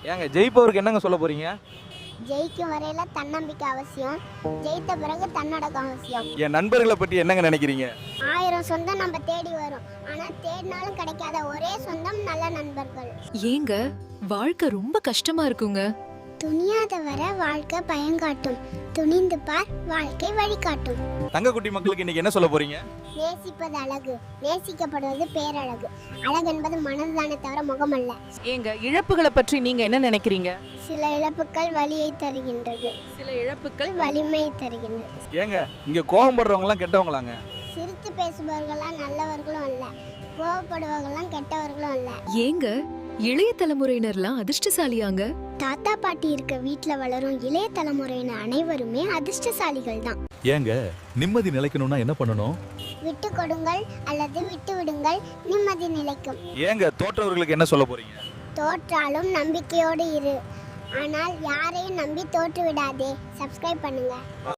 ஏங்க ஜெயிப்பவருக்கு என்னங்க சொல்ல போறீங்க? ஜெயிக்கும் வரையில தன்னம்பிக்கை அவசியம், ஜெயித்த பிறகு தன்னடக்கம் அவசியம். என் நண்பர்களை பற்றி என்னங்க நினைக்கிறீங்க? 1000 சொந்தம் நம்ம தேடி வரும், ஆனா தேடினாலும் கிடைக்காத ஒரே சொந்தம் நல்ல நண்பர்கள். ஏங்க வாழ்க்கை ரொம்ப கஷ்டமா இருக்குங்க. துணியாத வர வாழ்க்கை பயங்காட்டும், துணிந்து பார் வாழ்க்கை வழிகாட்டும். தங்கக்குட்டி மக்களுக்கு இன்னைக்கு என்ன சொல்ல போறீங்க? நேசிப்பது அழகு, நேசிக்கப்படுவது பேரழகு. அழகு என்பது மனதுதானே தவிர முகம் அல்ல. ஏங்க இழப்புகளை பற்றி நீங்க என்ன நினைக்கிறீங்க? சில இழப்புகள் வலியை தருகின்றது, சில இழப்புகள் வலிமையை தருகின்றது. ஏங்க இங்க கோபப்படுறவங்கலாம் கெட்டவங்களாங்க? சிரித்து பேசுபவர்கள்லாம் நல்லவர்களும் அல்ல, கோபப்படுபவர்கள்லாம் கெட்டவர்களும் அல்ல. ஏங்க இளைய தலைமுறையினர்லாம் அதிர்ஷ்டசாலியாங்க. தாத்தா பாட்டி இருக்க வீட்ல வளரும் இளைய தலைமுறையினர் அனைவருமே அதிர்ஷ்டசாலிகள் தான். ஏங்க நிம்மதி நிலைக்கணும்னா என்ன பண்ணணும்? விட்டு கொடுங்கள் அல்லது விட்டு விடுங்கள், நிம்மதி நிலைக்கும். ஏங்க தோற்றவர்களுக்கு என்ன சொல்ல போறீங்க? தோற்றாலும் நம்பிக்கையோடு இரு, ஆனால் யாரையும் நம்பி தோற்று விடாதே. சப்ஸ்கிரைப் பண்ணுங்க.